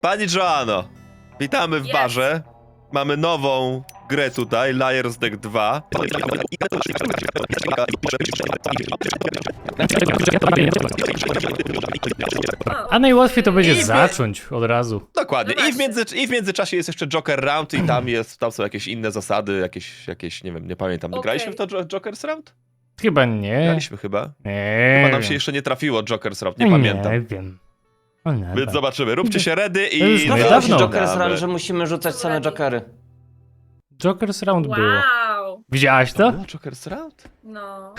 Pani Joanno, witamy w barze. Mamy nową grę tutaj, Liar's Deck 2. A najłatwiej to będzie zacząć od razu. Dokładnie. No I w międzyczasie jest jeszcze Joker Round i tam są jakieś inne zasady, jakieś nie wiem, nie pamiętam. Okej. Graliśmy w to Joker's Round? Chyba nie. Graliśmy chyba. Nie Chyba nam się wiem. jeszcze nie trafiło Joker's Round, nie pamiętam. Nie wiem. O nie, Więc zobaczymy. Róbcie się ready To już i... no, Trafiło się dawno. Joker's Run, że musimy rzucać same Jokery. Joker's Round było. Wow. Widziałaś to? Było Joker's Round? No.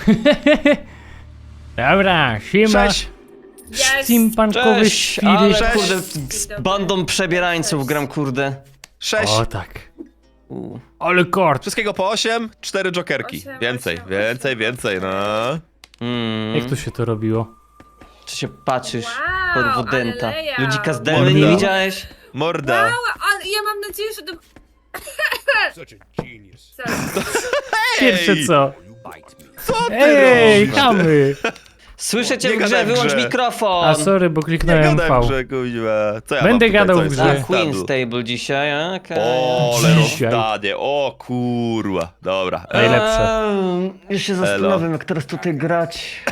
Dobra, siema. Cześć! Yes. Steampunkowy Cześć, świry. ale Cześć. kurde, z bandą przebierańców gram, kurde. 6. O tak. U. Ale kort. Wszystkiego po 8, 4 Jokerki. 8, Więcej, 8, więcej, 8. więcej, no. Jak to się to robiło? Czy się patrzysz Wow, pod wodęta? ale layout. Ludzika z Demy Morda. nie widziałeś? Morda. Wow, ale ja mam nadzieję, że to... Such a genius. Sorry. Pierwsze co? You bite me. Co ty Ej, robisz? chamy. Słyszę cię Nie w gadaj grze, w wyłącz grze. mikrofon! A sorry, bo Nie kliknąłem gadaj V. w grze, kuźwa. Co ja Będę mam tutaj, gadał co w jest grze. na Queen stadu? Stable dzisiaj, okej. O, ale Dzisiaj. rozdanie, o kurwa. Dobra. Najlepsze. Już się Elo. zastanawiam, jak teraz tutaj grać.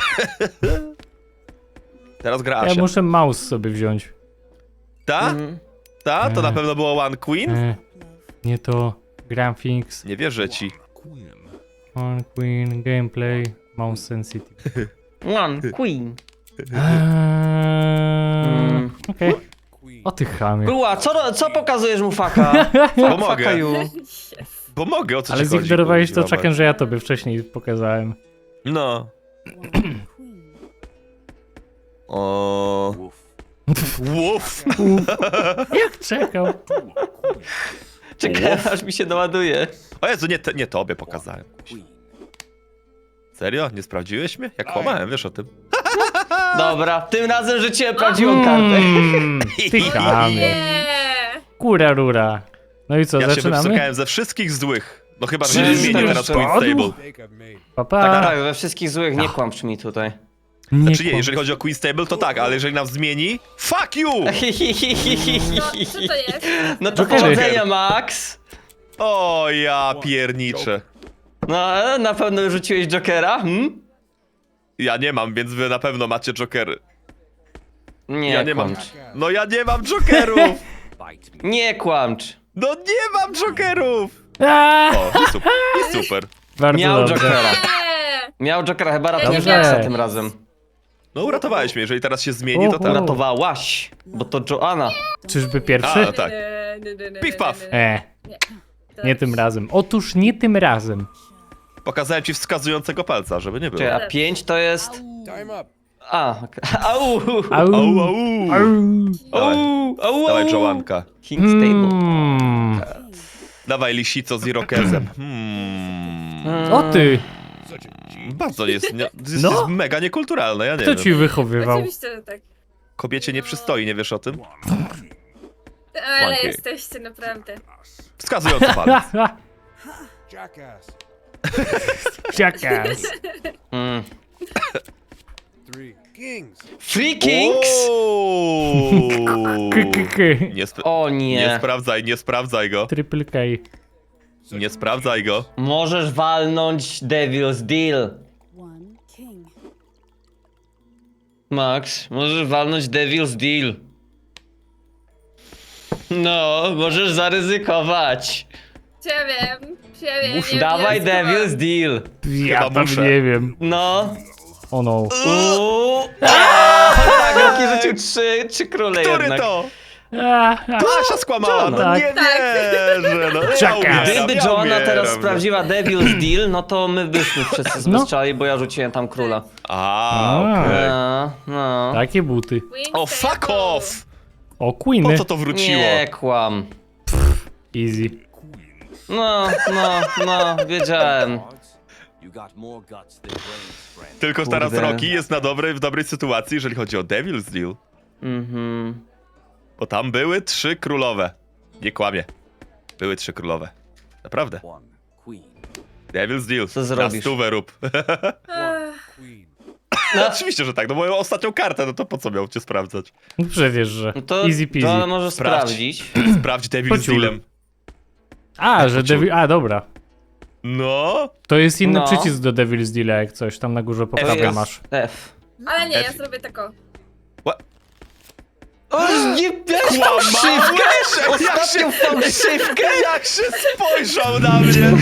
Teraz gra Ja Asia. muszę mouse sobie wziąć. Ta? Mhm. Ta? To na pewno było One Queen? Nie to. Graphics, Nie wierzę ci. on queen, gameplay, mouse sensitive. One Queen. Okej. O ty chamie. Była, co pokazujesz mu faka? Bo mogę. Faka you. Yes. Bo mogę, o co Ale ci chodzi? zignorowałeś to kurwa, czakiem, że ja tobie wcześniej pokazałem. No. O. Łuf. Jak czekał? Czekaj, aż mi się doładuje. O Jezu, nie tobie pokazałem. Serio? Nie sprawdziłeś mnie? Jak kłamałem, wiesz o tym. Dobra, tym razem rzuciłem prawdziwą kartę. Ty chamie. Nie. Kura rura. No i co, Ja się zaczynamy? wypsykałem ze wszystkich złych. No chyba, że Czy nie zmienię już teraz Queen padł? Stable. Mistake I've made. Papa. Tak, tak, we wszystkich złych nie kłamcz mi tutaj. Znaczy nie, jeżeli chodzi o Queen Stable, to tak, ale jeżeli nam zmieni... Fuck you! No, co to jest? No to Jokery. powodzenia, Max. O, ja pierniczę. No, na pewno rzuciłeś Jokera, Ja nie mam, więc wy na pewno macie jokery. Nie, Ja nie mam. kłamcz. No ja nie mam jokerów! Bite me. Nie kłamcz. No nie mam jokerów! Aaa! O, i super. I super. Bardzo Miał dobrze. Jokera. Nie. Miał Jokera, chyba nie ratowałeś miałem. Maxa tym razem. No uratowałeś mnie, jeżeli teraz się zmieni, to Oho. tak. Ratowałaś, bo to Joanna. Czyżby pierwszy? A, tak. Piw, paw. Nie tym razem. Otóż nie tym razem. Pokazałem ci wskazującego palca, żeby nie było. Czekaj, a 5 to jest... Time up. A, okej. Au! Au. Au, au. Au. Dawaj, Au! dawaj Joanka. King Stable. Dawaj lisico z irokezem. O ty! Such a genius. Bardzo jest No. jest mega niekulturalne, ja nie Kto wiem. ci wychowywał? Oczywiście, że tak. Kobiecie nie przystoi, nie wiesz o tym? Ale Monkey. jesteście naprawdę. Wskazujący palec. Jackass. Jackass. Mm. 3 kings. Free Kings? Ooo. Nie, O nie nie. sprawdzaj go. Triple K. Nie sprawdzaj go. Możesz walnąć Devil's Deal. One king. Max, możesz walnąć Devil's Deal. No, możesz zaryzykować. Ja wiem. Dawaj Devil's Deal. Ja Chyba tam muszę. nie wiem. No. O no. Uuu. Tak, Rocky rzucił trzy króle Który jednak. to? A, Asia skłamała, no Tak. nie wierzę. No, Jackass. Gdyby ja Joanna umieram, teraz no. sprawdziła Devil's Deal, no to my byśmy wszyscy No. zbezczali, bo ja rzuciłem tam króla. Okej. No. Takie buty. O, fuck off! O, Po Queeny. co to wróciło? Nie kłam. Easy. No, wiedziałem. You got more guts than brains, friend. Tylko teraz Kurde. Rocky jest w dobrej sytuacji, jeżeli chodzi o Devil's Deal. Mhm. Bo tam były 3 królowe. Nie kłamie. Były 3 królowe. Naprawdę. One queen. Devil's Deal. Co zrobisz? Na stówę rób. One queen. No. Oczywiście, że tak, no moją ostatnią kartę, no to po co miał cię sprawdzać? No przecież, że No to, easy peasy. to może Sprawdź. sprawdzić. Sprawdź Devil z Pociul. Dealem. A, że Devil... A, dobra. No, To jest inny No. przycisk do Devil's Deal, jak coś. Tam na górze po To prawej jest masz. F. Ale nie, ja F. zrobię tako. O, nie miałeś Kłamałeś? fałszywkę! Jak Ostatnią się- fałszywkę! jak się spojrzał na mnie!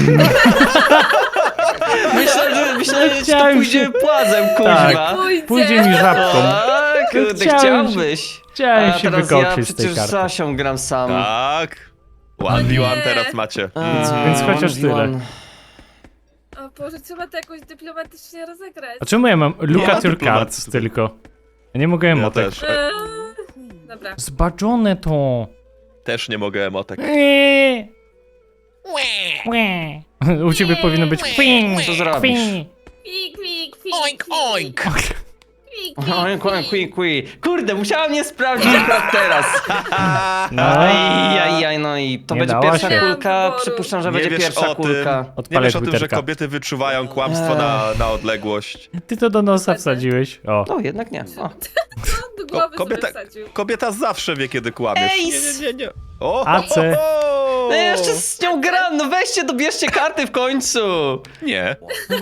Myślałem, że to Chciałem pójdzie się- płazem, Tak. kuźwa. Pójdzie mi żabką. O, kurde, Chciałem się- chciałbyś. Chciałem A się teraz ja wykoczyć z tej przecież z karty. Asią gram sam. Tak. O 1v1 nie. teraz macie. Więc chociaż tyle. O Boże, trzeba to jakoś dyplomatycznie rozegrać. A czemu ja mam look ma at your dyplomacji cards tutaj. tylko? Ja nie mogę Ja emotek. też. Dobra. Zbaczone to. Też nie mogę emotek. U ciebie powinno być kwing, Co zrobisz? kwing. Kwik, kwik, kwik, Oink, oink. Kwik, Oink, oink, kwik, kwik. Kurde, musiałem nie sprawdzić akurat teraz. No, Ajajaj, no i to Nie będzie dała pierwsza się. kulka. Przypuszczam, że Nie będzie wiesz pierwsza o tym. kulka. Nie odpalę wiesz o tym, że Twitterka. kobiety wyczuwają kłamstwo na odległość. Ty to do nosa wsadziłeś. O. No, jednak nie. O. do głowy kobieta- sobie wsadził. Kobieta zawsze wie, kiedy kłamiesz. Ej, Nie. O, AC. No ja jeszcze z nią gram, no weźcie, dobierzcie karty w końcu. Nie.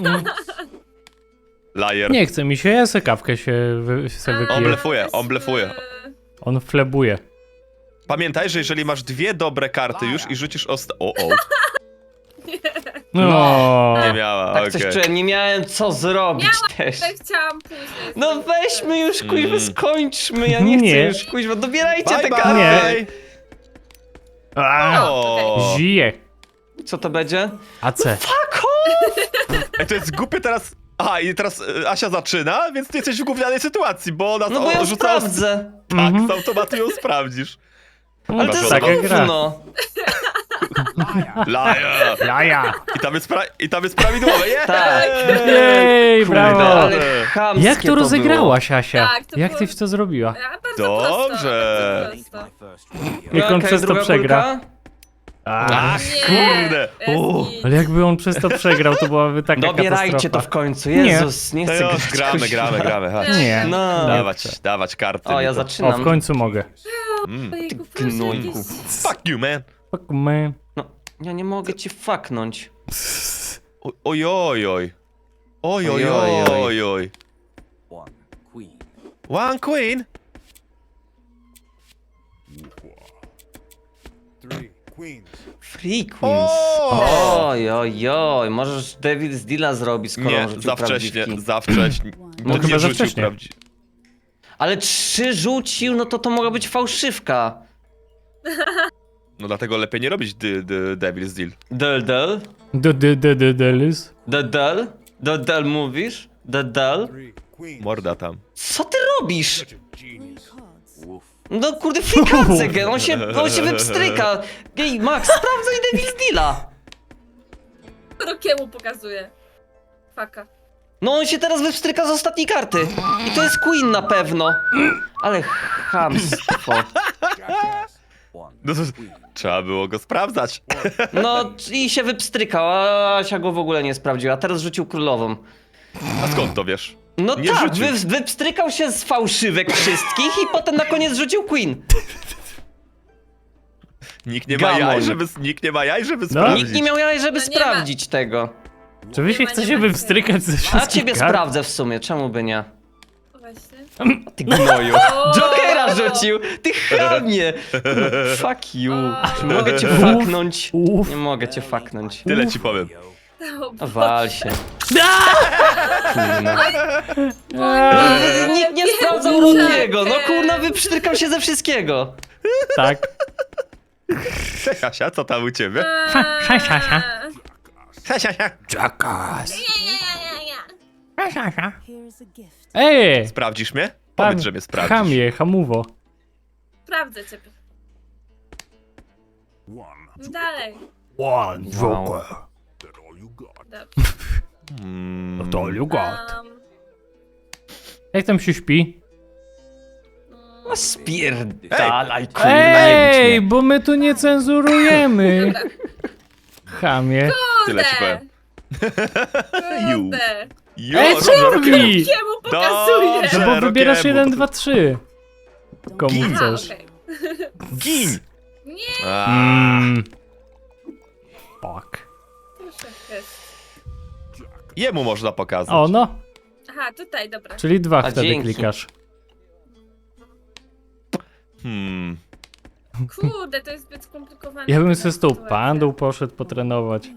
Liar. Nie chce mi się, ja se kawkę się se On wypiję. blefuje, on blefuje. On flebuje. Pamiętaj, że jeżeli masz dwie dobre karty już i rzucisz O. No. Nie miała, Tak okej. coś czułem, nie miałem co zrobić też. Tak chciałam później. No weźmy już, kuźwa, skończmy, ja nie chcę Nie. już, kuźwa, dobierajcie Bye, te bye. karty. O. Zije. Co to będzie? AC. Ej, to jest głupie teraz... Aha, i teraz Asia zaczyna, więc ty jesteś w gównianej sytuacji, bo ona No bo ja rzucała... sprawdzę. Tak, z automatu ją sprawdzisz. Ale to jest Taka gra. gówno. Liar. Jaja. I tam jest prawidłowe, nie? Tak. Jej, brawo. Ale chamskie Jak to rozegrałaś, Asia? Tak, to Jak było- ty w to zrobiła? A, bardzo Dobrze. prosto, bardzo prosto. My first rodeo. Jak on Okej, przez to druga przegra. kulka? Ach, Nie, kurde. jest git. Ale jakby on przez to przegrał, to byłaby taka Dobierajcie to katastrofa. w końcu, Jezus, nie To chcę już grać, gramy, chodź. Nie. No. Dawać karty. O, ja mi to. O, zaczynam. w końcu mogę. Ojejku, proszę, gnojku. jakieś- Fuck you, man. Fuck man. No, ja nie mogę ci faknąć. Ojojoj. Ojojoj. One queen. One queen? 3 queens. Free Queens. O! Oj, oj, oj, możesz Devil's Deala zrobić, skoro Nie, on rzucił za wcześnie, prawdziwki. za wcześnie. No To chyba nie za rzucił wcześnie. Ale 3 rzucił, no to mogła być fałszywka. No dlatego lepiej nie robić Devil's Deal. Del. Delis. Del mówisz? Del. 3 queens. Morda tam. Co ty robisz? Such a genius. Woof. No kurde, frikacek, on się wypstryka. Ej, Max, sprawdzaj Devil's Deala. Rokiemu pokazuje. Faka. No on się teraz wypstryka z ostatniej karty. I to jest Queen na pewno. Ale chamstwo. Jackass. One No to queen. trzeba było go sprawdzać. No i się wypstrykał, a Asia go w ogóle nie sprawdziła. Teraz rzucił królową. A skąd to wiesz? No Nie tak, rzucił. wypstrykał się z fałszywek wszystkich i potem na koniec rzucił Queen. Nikt nie ma Gamoń. jaj, żeby No. sprawdzić. Nikt nie miał jaj, żeby No nie ma. sprawdzić tego. Czy wy się Nie ma, chcecie nie ma. wywstrykać ze A wszystkich ciebie kart? sprawdzę w sumie, czemu by nie? Właśnie. Ty gnoju. O! Jokera rzucił! Ty chamie! Fuck you. Czy mogę cię faknąć? Uff. Nie mogę cię faknąć. Tyle ci powiem. O Boże. Wal się. Eee, Nikt nie sprawdzał Rokiego. No kurna, wyprztykał się ze wszystkiego. Tak. Cześć Asia, co tam u ciebie? Sza. Cześć Asia. Jackass. Here's a gift. Ej! Sprawdzisz mnie? Powiedz, że mnie sprawdzisz. Chamie, hamuwo. Sprawdzę ciebie. One. Dalej. One Joker. That all you got. Dobrze. To you got. Um, Jak tam się śpi? No spierdalaj, kurna, Ej, nie bo my tu nie cenzurujemy. Dobra. Chamie. Tyle ci powiem. You. Kurde. Jo, Ej, co robi? Kiemu pokazuje? Dobrze. No bo wybierasz Rokiemu, 1, to- 2, 3. Komu Gin. A, chcesz? okej. Gin! Nie, Fuck. proszę, jest. Jemu można pokazać. O, no. Aha, tutaj, dobra. Czyli 2 A wtedy dzięki. klikasz. Kurde, to jest zbyt skomplikowane. Ja bym sobie z tą Sytuacja. pandą poszedł potrenować.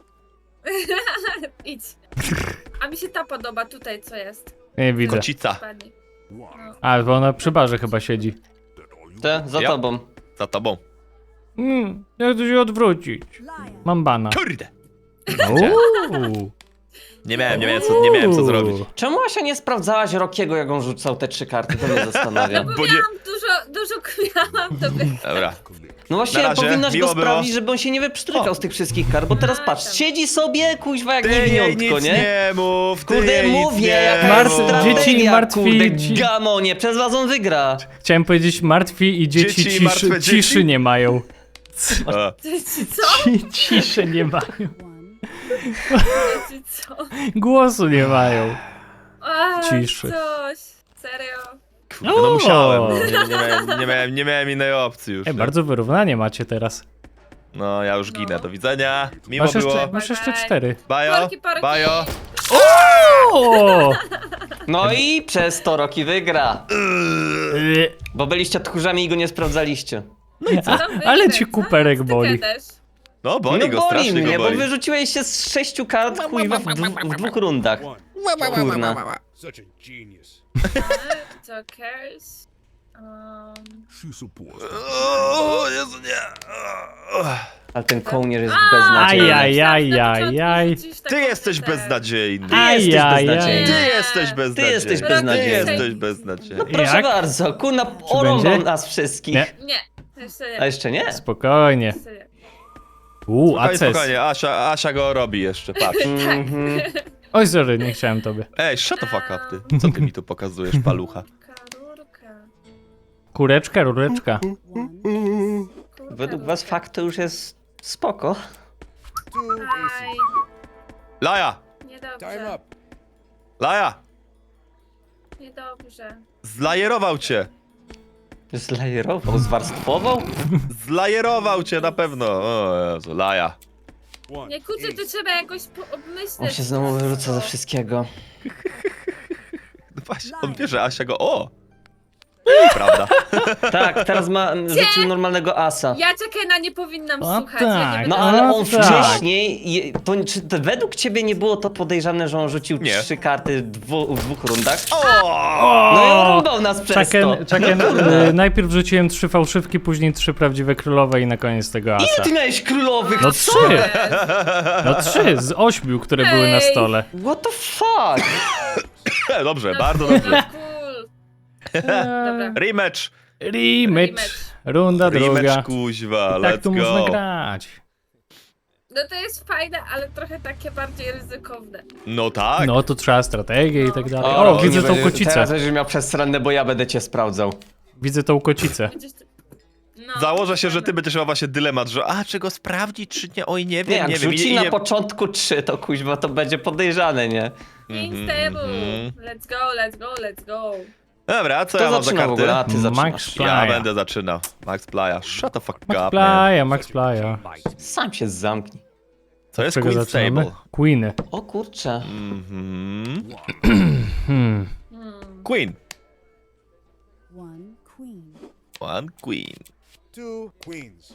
Idź. A mi się ta podoba tutaj, co jest. Nie widzę. Kocica. Pani. A, bo ona przy barze chyba siedzi. Te, za Ja. tobą. Za tobą. Jak to się odwrócić? Mam bana. Kurde! Uuu. Nie miałem co zrobić. Czemu Asia nie sprawdzałaś Rokiego, jak on rzucał te 3 karty? To mnie zastanawia. Bo Bo nie- miałam dużo miałam to by... Dobra. No właśnie, Na razie, powinnaś go miło było. sprawdzić, żeby on się nie wyprztykał z tych wszystkich kart, bo teraz A, patrz, tam. siedzi sobie, kuźwa, jak Ty jej niewiniątko, nic nie? nie mów, ty Kurde, jej nic mówię, nie jaka jest mów. strategia, Dzieci martwi, kurde, ci- gamonie, przez was on wygra. Chciałem powiedzieć martwi i dzieci, Dzieci, martwe dzieci? ciszy nie mają. A, Co? Ciszy nie mają. Co? Głosu nie mają. A, Ciszy. Coś. Serio. kurde, no O! musiałem. Nie miałem innej opcji już. Ej, nie? bardzo wyrównanie macie teraz. No, ja już ginę. Do widzenia. Miło Masz było. jeszcze, masz jeszcze 4. Bajo, Porki. bajo. O! No i przez to Roki wygra, bo byliście tchórzami i go nie sprawdzaliście. Co tam Ale wyjdzie? ci Co? kuperek Ty boli. gadasz? No, boli No go, boli strasznie mnie, go bo boli. wyrzuciłeś się z 6 kart, kuźwa, w 2 rundach. Kurna. Such a genius. Co cares? She supports O, Jezu, nie. Ale ten kołnierz jest A, beznadziejny. Ajajajajaj. Ty jesteś beznadziejny. Ty jesteś beznadziejny. Ty jesteś beznadziejny. jesteś Ty beznadziejny. jesteś beznadziejny. Proszę Jak? bardzo, kurna, orąbał będzie? nas wszystkich. Nie. Nie, jeszcze nie. A jeszcze nie? Spokojnie. Jeszcze nie. Spokojnie, Aces. spokojnie, Asia go robi jeszcze, patrz. Mhm. Oj, sorry, nie chciałem tobie. Ej, shut the fuck up, ty. Co ty mi tu pokazujesz, palucha? Rurka. Kureczka, rureczka. Kurka, Według was rurka. fakt to już jest spoko. two Aj, aces. Laja! Time niedobrze. up. Laja! Niedobrze. Zlajerował cię! Zlajerował, zwarstwował? Zlajerował cię na pewno! O Jezu, Laja. One Nie kurczę, to ace. trzeba jakoś obmyśleć. On się znowu wyrzuca ze wszystkiego. No właśnie, on wie, że Asia go... O! Prawda. Tak, teraz ma rzucił normalnego asa. Ja Czekena nie powinnam O słuchać. Ja tak. nie No będę- ale on tak. wcześniej, czy to według ciebie nie było to podejrzane, że on rzucił Nie. 3 karty w 2 rundach? O! No i orąbał nas przez to. Chucken, najpierw rzuciłem 3 fałszywki, później 3 prawdziwe królowe i na koniec tego asa. Ile ty miałeś królowych? No Co? 3! No 3 z 8, które były na Ej. stole. What the fuck? Dobrze, No, bardzo cool, dobrze. Cool. Dobra. Rematch! Rematch. Runda druga. Rematch, kuźwa, Tak let's tu można go. grać. No to jest fajne, ale trochę takie bardziej ryzykowne. No tak. No tu trzeba strategię i tak dalej. O, O, widzę nie tą będzie- kocicę. Teraz będziesz miał przestronne, bo ja będę cię sprawdzał. Widzę tą kocicę. Będziesz ty- No, Założę się, że ty będziesz miał właśnie dylemat, że czy go sprawdzić, czy nie, oj nie Nie, wiem, jak nie wiem. rzuci na początku 3, to kuźwa to będzie podejrzane, nie? King's Table. Let's go, let's go, let's go. Dobra, co To ja mam za zaczyna w karty? ogóle, a ty Max zaczynasz. Playa. Ja będę zaczynał. Max Playa. Shut the fuck Max up, man. Playa, Max Playa. Sam się zamknij. Co jest Czego Queen's zaczynamy? Table? Queeny. O kurczę. Mhm. Hmm. Queen. One queen. One Queen. Two queens.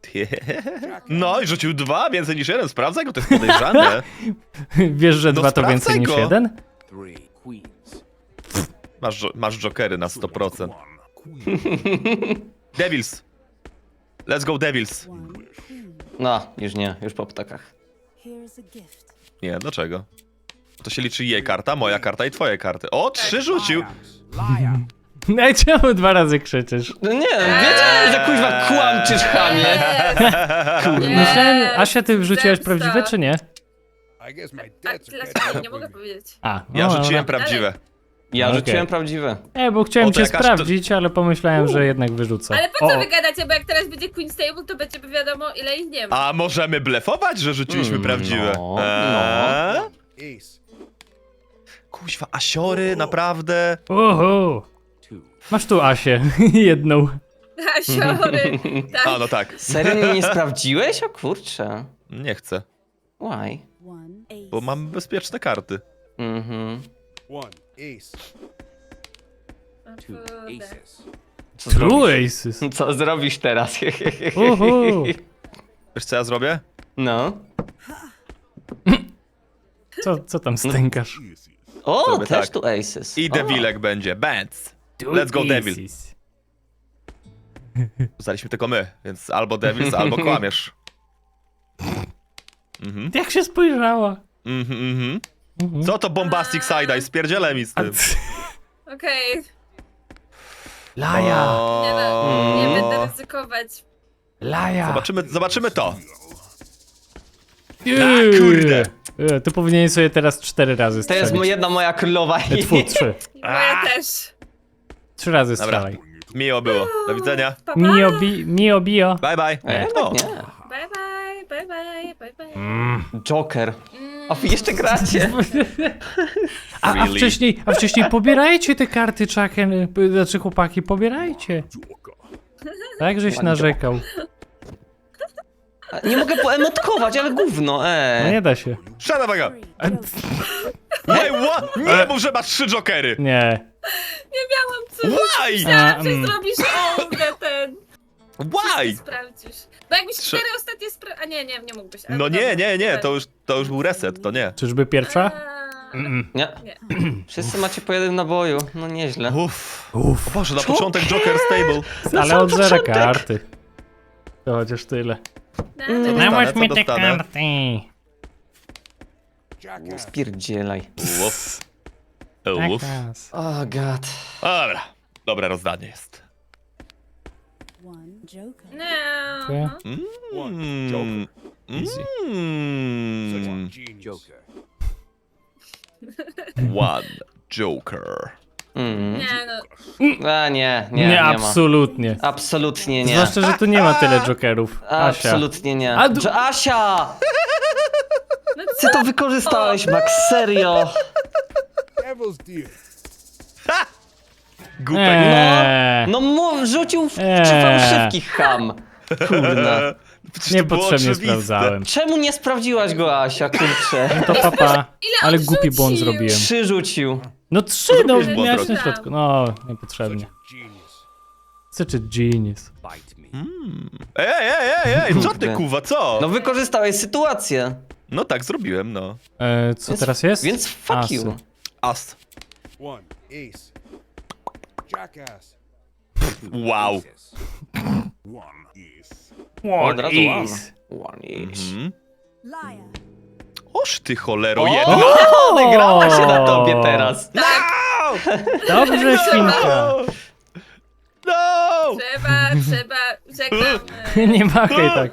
No i rzucił 2, więcej niż 1. Sprawdzaj go, to jest podejrzane. Wiesz, że No 2 to więcej sprawdzaj niż go. 1? Three queens. Masz jokery na 100%. One queen. Devils. Let's go Devils. One queen. No, już nie, już po ptakach. Here's a gift. Nie, dlaczego? To się liczy jej karta, moja karta i twoje karty. O, 3 rzucił. Liar. No i czemu 2 razy krzyczysz? No nie, wiedziałem, że kuźwa kłamczysz, chamie. Myślałem, Asia, ty wrzuciłaś zemsta. prawdziwe czy nie? I guess my A, debts are dlaczego catching nie up mogę with me. powiedzieć? A, Ja no, rzuciłem dobra. prawdziwe. Ja Okej. rzuciłem prawdziwe. Bo chciałem O, to cię jakaś sprawdzić, ale pomyślałem, że jednak wyrzucę. Ale po co O, wy gadacie, bo jak teraz będzie Queen's Table, to będzie wiadomo ile ich nie ma. A możemy blefować, że rzuciliśmy prawdziwe? no. Eee? Ace. Kuźwa, asiory, naprawdę? Oho. Two. Masz tu Asię, jedną. Asiory. Tak. A, no tak. Serio mnie nie sprawdziłeś? O kurczę. Nie chcę, Why? One ace. bo mam bezpieczne karty. Mhm. One ace. O Two kurde. aces. Co True zrobisz? Aces. Co zrobisz teraz? Uhu. Wiesz co ja zrobię? No. Co tam stękasz? O, Zrobię też tak. tu aces. I O. Devilek będzie, Bands. Let's go Devil. Aces. Zostaliśmy tylko my, więc albo Devils, albo kłamiesz. Mhm, Jak się spojrzała. mhm. Co to Bombastic Side-Eye? Spierdzielę mi z A tym. Okej. Laja, Nie, no, nie O. będę ryzykować. laja. Zobaczymy to. Eee. kurde. Ty powinieneś sobie teraz 4 razy To strzelić. jest jedna moja królowa. Tfu, 3. Moja też. 3 razy Dobra, strzelaj. miło było. Do widzenia. Pa, pa. Mio bio. Bye bye. O, Nie. Bye bye, bye bye, bye bye. Joker. A wy jeszcze gracie? A Really? wcześniej pobierajcie te karty, Chucken. Znaczy chłopaki, pobierajcie. Tak, żeś narzekał. Nie mogę poemotkować, ale gówno, No nie da się. shut up, go. A, Wait, what? Nie mów, że masz 3 jokery. nie. Nie miałam co. Why? Myślałam, że zrobisz ten. Why? Sprawdzisz. Bo jakbyś Trze- 4 ostatnie a nie mógłbyś. Ale No nie, dobra. nie, to już był reset, to nie. Czyżby pierwsza? Nie. Nie. Wszyscy macie po jednym naboju. No nieźle. Uff. O Boże, na początek Joker Stable. Ale od zera karty. To chociaż tyle. No, Nałóż mi te dostanę? karty. Jackass. Spierdzielaj. Uff. Tak, Uff. Jackass. Oh god. Dobra, dobre rozdanie jest. One joker. No. One joker. Easy. Such a Mm. genius. Joker. One Joker. Mm. Nie, no. A nie Nie, ma. absolutnie. Absolutnie nie. Zwłaszcza, że tu nie ma tyle jokerów. Asia. Absolutnie nie. A Asia! No Ty to wykorzystałeś, Max, serio. Devil's deal. Głupek. Eee, No rzucił w Eee. 3 fałszywki, ham. Kurna. Przecież to było niepotrzebnie oczywiste. sprawdzałem. Czemu nie sprawdziłaś go, Asia, kurczę? To papa. Ale on głupi błąd rzucił? zrobiłem. 3 rzucił. No 3, no Zrobiłeś błąd, miałeś na Rocky. środku. No, Such niepotrzebnie. a genius. Such a genius. Bite me. Ej, co ty Kurde. kuwa, co? No wykorzystałeś sytuację. No tak, zrobiłem, no. Co teraz jest? Więc fuck Asy. you. As. One ace. Jackass. Wow. Aces. Od razu one. is. One is. Mhm. Liar. Oż ty cholero O! jedna. Odegrała się na tobie teraz. Dobrze, świnka. No! Trzeba, żegnam. Nie machaj tak.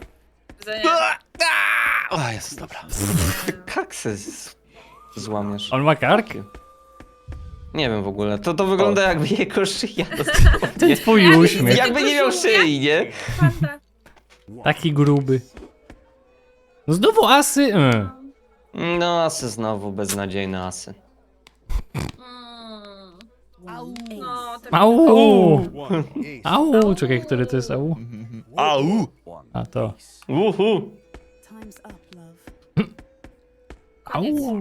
O, jest dobra. Kaksy złamiesz. On ma karki? Nie wiem w ogóle. To wygląda jakby jego szyja. Ten twój uśmiech. Jakby nie miał szyi, nie? Fanta. Taki gruby. No znowu asy. No asy znowu, beznadziejne asy. One ace. No, tak. Au. One ace. Au. Czekaj, który to jest au? Au! One A to. ace. Uhu. Time's up, love. Au.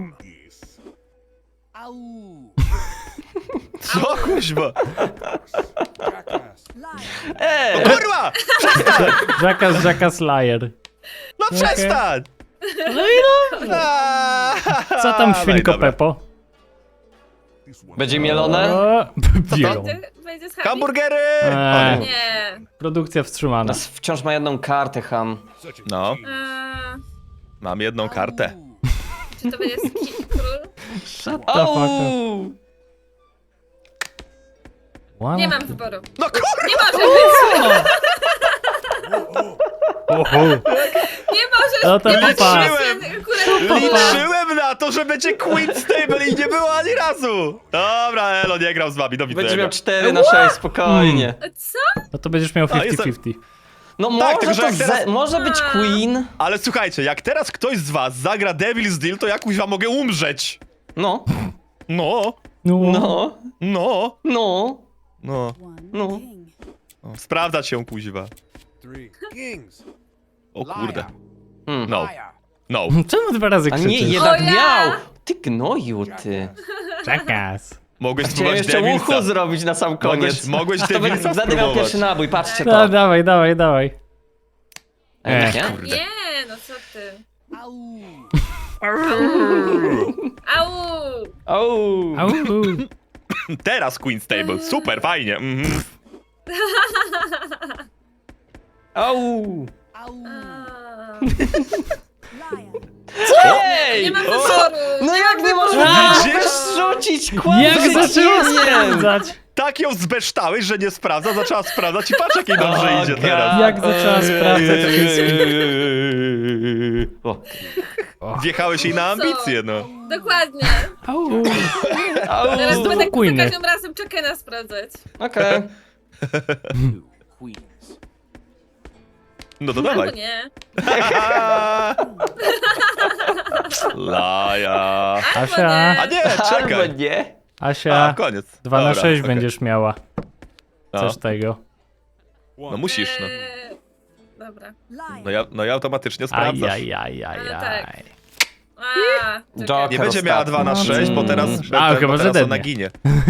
Au. Co, kuźwa? Jackass. Liar. No kurwa! Jackass liar. No przestań! No i dobrze. Co tam, świnko dobra. Pepo? Będzie mielone? O, bielą. Będzie z Happy? Hamburgery! Eee. O, nie. Nie. Produkcja wstrzymana. Nas wciąż ma jedną kartę, ham. Such a No, Eee, mam jedną kartę. czy to będzie król? Shut the fuck up. Ouu! Wow. Nie mam wyboru. No kurwa! Nie może być. Oho. Nie możesz. No to nie możesz papa. akurat- Liczyłem na to, że będzie Queen Stable i nie było ani razu! Dobra, Elo, nie grał z wami, do Będzie widzenia. miał 4 na 6, spokojnie. Co? No to będziesz miał A, jestem- 50-50. No Tak, może tylko, że to jak teraz- może być Queen. Ale słuchajcie, jak teraz ktoś z was zagra Devil's Deal, to ja kuźwa mogę umrzeć. No. No, No. No, no, no, no. One No. king. O, sprawdzać się, kuźwa. 3 kings. O kurde. Hmm. No, Liar. no. Czemu 2 razy A nie, krzyczysz? jednak O ja! miał! Ty gnoju, ty. Jackass. Mogłeś Chciałem spróbować jeszcze Devilsa. uchu zrobić na sam koniec. Mogłeś To Devilsa będę miał spróbować. pierwszy nabój, patrzcie No, to. dawaj, dawaj, dawaj. Nie? Nie, no co ty. Au. Au! Au. Au. Teraz Queen's Table, super, fajnie. Mhm. Au. Au. A. Liar. Ej! Nie ma O! wyboru. No jak nie wyboru. możesz rzucić Jak kłamstwo? zaczęło sprawdzać? Tak ją zbeształeś, że nie sprawdza, zaczęła sprawdzać i patrz jak jej dobrze idzie teraz. Jak zaczęła sprawdzać O. Wjechałeś jej na ambicje, no. Dokładnie. Au. Au. Teraz Znowu będę za Queeny. każdym razem Chuckena sprawdzać. Okej. 2 queens. No to Albo dawaj. nie. Laja. Albo Asia. nie. A nie, Albo czekaj. nie. Asia, A, koniec. 2 na Dobra, 6 okej. będziesz miała. No. Coś tego. No musisz, no. Dobra. Liar. No i automatycznie Aj, sprawdzasz. aj, aj, aj, Ale tak. aj. A, Joker. Nie będzie miała 2 na 6, bo teraz, chyba, że teraz ona dednie. ginie.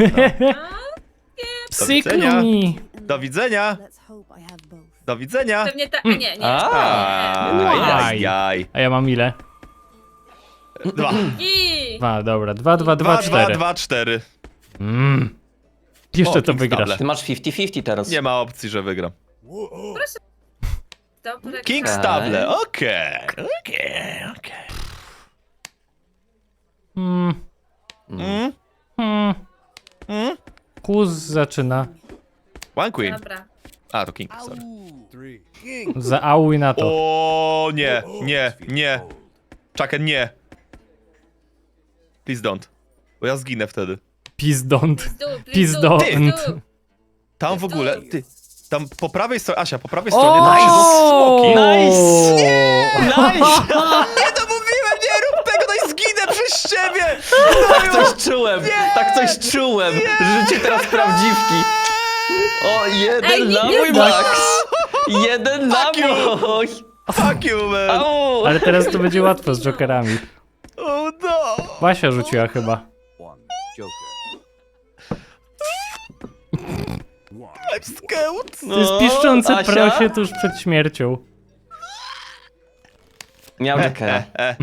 Psyknij. Do widzenia. Let's hope I have both. Do widzenia. Pewnie ta... A nie, nie. Aj, aj. A ja mam ile? 2. I... 2, dobra. 2, 2, 2, 2, 4. 2, 4. Jeszcze O, to King's wygrasz. Table. Ty masz 50-50 teraz. Nie ma opcji, że wygram. Dobra. King's Table, okej. Okej. Mm, Mm? mm. Mm? Kuz zaczyna. One Queen. Dobra. A, to King, sorry. 3 kings. Zaauj na to. O nie, nie, nie. Chucken, nie. Please don't. Bo ja zginę wtedy. Pizdont. Pizdu, Pizdont. pizdu. Tam w ogóle, ty, tam po prawej stronie, Asia, po prawej O! stronie tam siedzą smoki. Nice! Nice! Nie to mówiłem, nie rób tego, no i zginę przez ciebie! Tak coś czułem, tak coś czułem, że życie teraz prawdziwki. O, Ej, jeden nie nabój, wiem. Max! Jeden Fuck you. nabój! Fuck you, man. Au! Ale teraz to będzie łatwo z jokerami. Oh no. Basia rzuciła chyba. One joker. I'm scared. To jest piszczące Asia? prosie tuż przed śmiercią. Miał Jokera.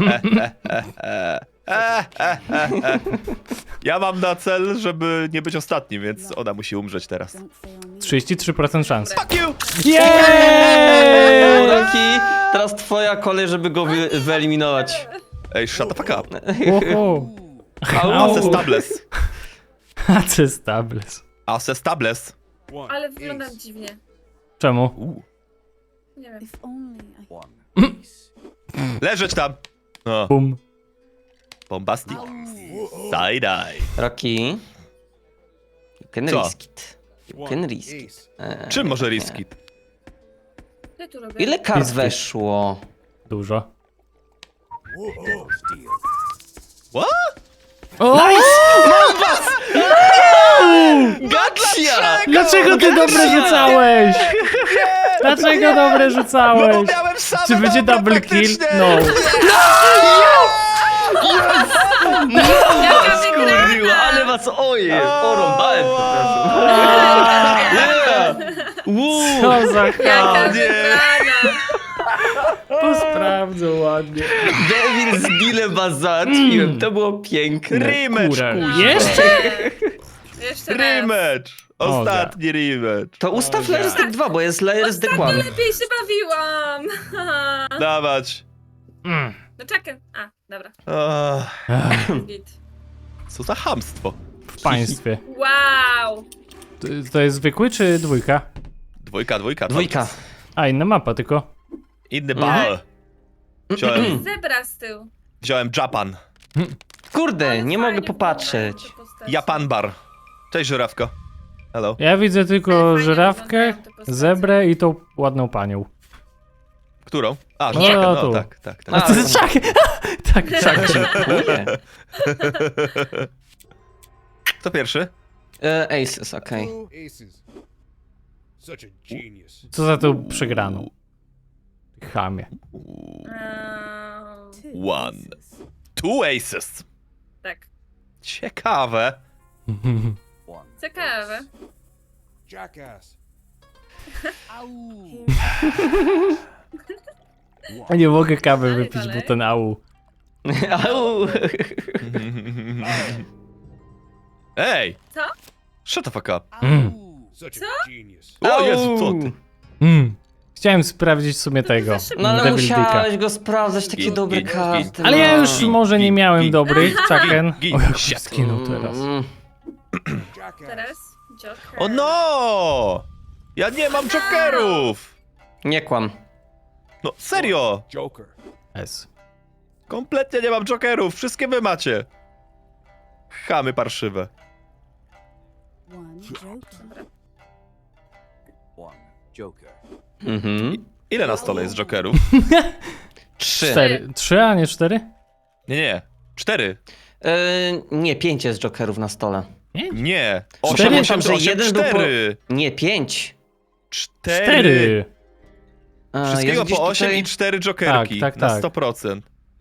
Ja mam na cel, żeby nie być ostatni, więc ona musi umrzeć teraz. Don't fail me. 33% szans. Fuck you! Jeeeey! Roki, teraz twoja kolej, żeby go wyeliminować. Ej, shut the fuck up. Oho. Au! Ace stables. Ace stables. Ace stables. Ale wyglądam dziwnie. Czemu? Nie wiem. If only I... One ace. Leżeć tam. No, Bum. bombastic. Side-eye. Roki. You can Co? risk it. You can risk it. Ace. Czym może riskit? Co ja tu robię? Ile kart Risk it. weszło? Dużo. Steal. What? O! Gotcha! Dlaczego ty dobre rzucałeś? Dlaczego dobre No bo rzucałeś? miałem same Czy będzie dobre double kill? praktycznie. No. Jaka Kurwa, wygrana! ale was oje! Porąbałem, przepraszam. Yeah! Woo! Co za Jaka chaos. wygrana! To sprawdzę ładnie. Devil z Billem was załatwiłem, to było piękne. Rematch, Kurę. kuźwa. Jeszcze? Jeszcze raz. Rematch. Ostatni rematch. To ustaw Layers Deck 2, bo jest Layers Deck 1. Lepiej się bawiłam! Dawać. No czekaj. A, dobra. Git. Co za chamstwo. W państwie. Wow! To jest zwykły czy dwójka? Dwójka. Dwójka. A, inna mapa tylko. Inny bal. Zebra z tyłu. Wziąłem Japan. Kurde, nie mogę Fajnie popatrzeć. wyglądają te postacie. Japan bar. Cześć, żurawko. Hello. Ja widzę tylko Fajnie żyrawkę, wyglądają te postacie. zebrę i tą ładną panią. Którą? A, No, żurawkę, tu. no tak, tak, tak. A to jest czak! Tak, czak. Dziękuję. Kto pierwszy? Aces, okej. Two aces. Such a genius. Co za tą przegraną? Chamie. One. Two aces. Tak. Ciekawe. One. Ciekawe. Jackass. Ow. A nie mogę kawy Dalej, wypić, bo dalej. ten au. Au. Ej! Co? Shut the fuck up. Such a genius. O Au. Jezu, co ty? Chciałem sprawdzić w sumie tego. No ale Devil Dicka. musiałeś go sprawdzać, takie Gin, dobre gin, karty. Ale ja no. już może nie miałem dobrych, Chucken. Gin, O, jak shit. skinął teraz. Jackass. Teraz Joker. O no! Ja nie mam jokerów! Nie kłam. No serio! Joker. S. Kompletnie nie mam jokerów, wszystkie wy macie. Chamy parszywe. One joker. One. Joker. Mhm. Ile na stole jest jokerów? 3. 4. 3, a nie 4? Nie. 4. Nie, 5 jest jokerów na stole. Nie. Cztery? 8, 8, Że 8, jeden był po- 4. Nie, 5. 4. 4. Wszystkiego po 8 i 4 jokerki. Tak, tak, na tak. 100%.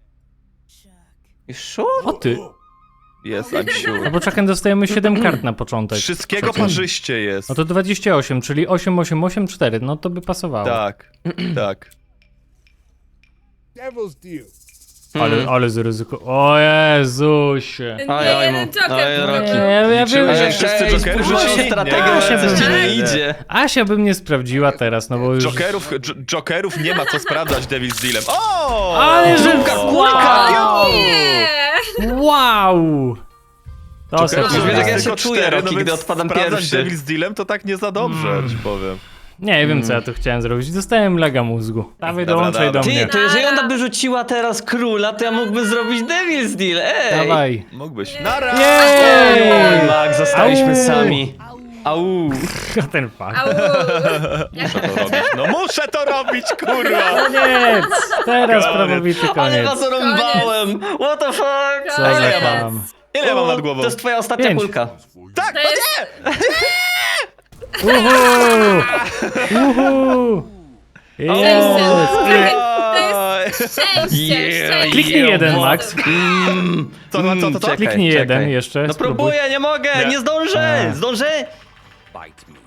Sure? O ty. Jest, I'm No sure. bo Chucken dostajemy 7 kart na początek. Wszystkiego parzyście jest. No to 28, czyli 8, 8, 8, 4. No to by pasowało. Tak, tak. Devil's deal. Ale z ryzyko. O Jezusie. Nie, Oj, jeden Joker. oj, tylko. Rocky. Ja Liczyłem, wiem, że że wszyscy jokery moją rzucili? strategią, Nie, coś ci nie, nie nie. idzie. Asia by mnie sprawdziła teraz, no bo już... Jokerów nie ma co sprawdzać Devil's Dealem. O! Ale że... Wow! Nie! Wow! To Jokerów sobie Już wiesz, jak ja tylko się czuję, 4, Rocky, więc gdy odpadam sprawdzać pierwszy. Devil's Dealem to tak nie za dobrze, ci powiem. Nie wiem, co ja tu chciałem zrobić. Dostałem lega mózgu. Dawaj, Dobra, dołączaj do dobra. mnie. Ty, to jeżeli ona by rzuciła teraz króla, to ja mógłbym zrobić Devil's Deal, ej! Dawaj. Mógłbyś. Nara! Jej! Oj, Max, zostaliśmy Au. sami. Au! Ten fakt. Au! Muszę to robić. No muszę to robić, kurwa! Koniec! Teraz Koniec. prawowity Ale koniec. was rąbałem! What the fuck? Co Koniec. za ja mam? tam. Ile ja mam nad głową? To jest twoja ostatnia 5. kulka. Tak, To no jest... Uhu! Uhu! Jest! Szczęście! Kliknij jeden, Max. Co? Czekaj, Kliknij jeden czekaj. jeszcze. No spróbuj. próbuję, nie mogę, Nie. nie zdążę! A. Zdążę? Bite me.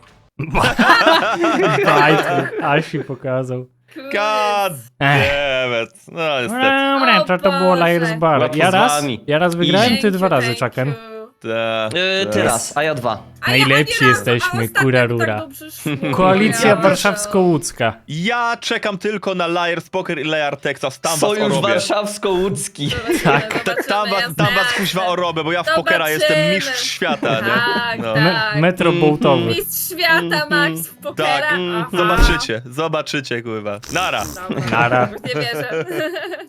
Bajkę. Asi pokazał. God damn it. No niestety. Dobra, to było Boże. Layers Bar. Łatwo Ja z raz, wami. ja raz wygrałem, ty 2 razy, Thank Chucken. you. Ty raz, a ja 2. Najlepsi ani razu, jesteśmy, a ostatnio kura tak rura. dobrze szło. Koalicja Ja warszawsko-łódzka. Ja czekam tylko na Liar's Poker i Liar Texas. Tam was Sojusz orobię. warszawsko-łódzki. Tak. Tam was kuźwa orobię, bo ja w pokera Zobaczymy. jestem mistrz świata, nie? Tak, No. tak. Metro bołtowy. Mistrz świata, Max, w pokera. Tak, Aha. zobaczycie, kurwa. Nara. Dobra, Nara. już nie wierzę.